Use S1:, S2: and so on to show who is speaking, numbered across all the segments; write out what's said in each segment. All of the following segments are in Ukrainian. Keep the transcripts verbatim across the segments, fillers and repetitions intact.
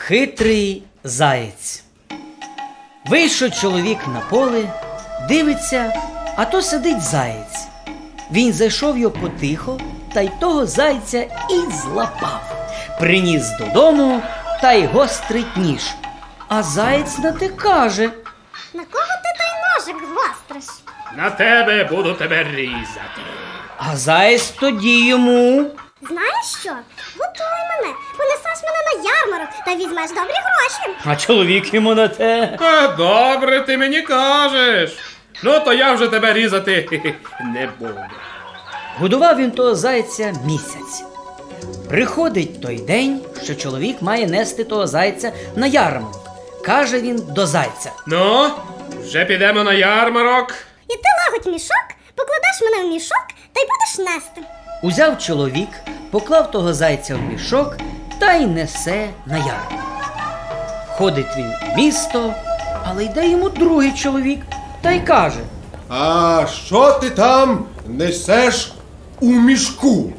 S1: Хитрий заєць. Вийшов чоловік на поле, дивиться, а то сидить заєць. Він зайшов його потихо, та й того зайця і злапав. Приніс додому, та й гострить ніж. А заєць на те каже:
S2: на кого ти той ножик гостриш?
S3: На тебе буду тебе різати.
S1: А заєць тоді йому:
S2: Знаєш що? Готуй мене, понесеш мене на ярмарок та візьмеш добрі гроші.
S1: а чоловік йому на те:
S3: А, добре, ти мені кажеш. Ну, то я вже тебе різати не буду.
S1: Годував він того зайця місяць. Приходить той день, що чоловік має нести того зайця на ярмарок. Каже він до зайця:
S3: Ну, вже підемо на ярмарок.
S2: І ти лагодь мішок, покладеш мене в мішок та й будеш нести.
S1: Узяв чоловік, поклав того зайця в мішок та й несе на ярмарок. Ходить він в місто, але йде йому другий чоловік та й каже:
S4: А що ти там несеш у мішку?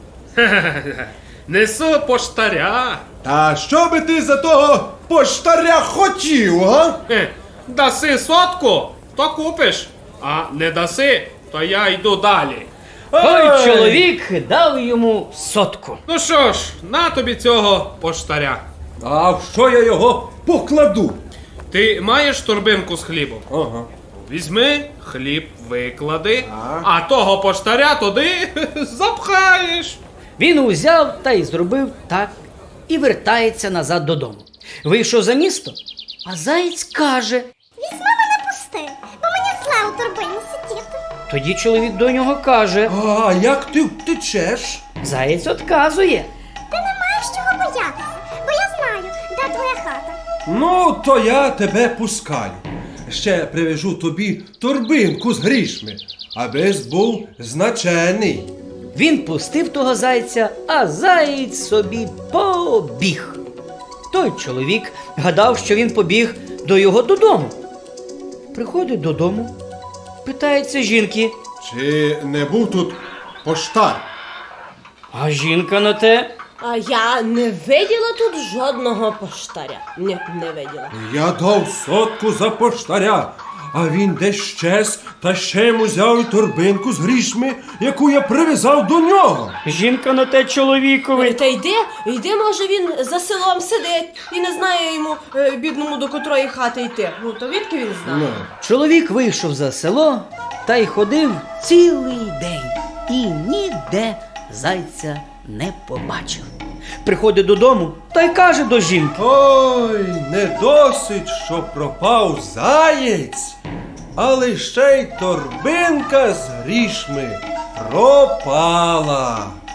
S3: Несу поштаря.
S4: Та що би ти за того поштаря хотів, га?
S3: Хе, Даси сотку, то купиш. А не даси, то я йду далі.
S1: Той
S4: Ей!
S1: чоловік дав йому сотку.
S3: Ну що ж, на тобі цього поштаря.
S4: А в що я його покладу?
S3: Ти маєш торбинку з хлібом?
S4: Ага.
S3: Візьми, хліб виклади,
S4: А?
S3: а того поштаря туди запхаєш.
S1: Він узяв та й зробив так і вертається назад додому. Вийшов за місто, а заєць каже:
S2: Візьми мене пусти, бо мені зле у торбині сидіти.
S1: тоді чоловік до нього каже:
S4: А як ти втечеш?
S1: заєць отказує.
S2: Ти не маєш чого боятися, бо я знаю, де твоя хата.
S4: Ну, то я тебе пускаю. Ще привяжу тобі торбинку з грішми, аби був значений.
S1: Він пустив того зайця, а заєць собі побіг. Той чоловік гадав, що він побіг до його додому. Приходить додому, питається жінки,
S4: Чи не був тут поштар?
S1: а жінка на те:
S5: А я не виділа тут жодного поштаря. Ні, не виділа.
S4: Я дав сотку за поштаря, а він десь щез та ще йому взяв і торбинку з грішми, яку я прив'язав до нього.
S1: жінка на те чоловікові:
S5: Та йди, йди, може він за селом сидить і не знає йому, е, бідному, до котрої хати йти. Ну, то відки він знає?
S4: Ну.
S1: Чоловік вийшов за село та й ходив цілий день і ніде зайця не побачив. Приходить додому та й каже до жінки:
S4: Ой, не досить, що пропав заєць, але ще й торбинка з грішми пропала.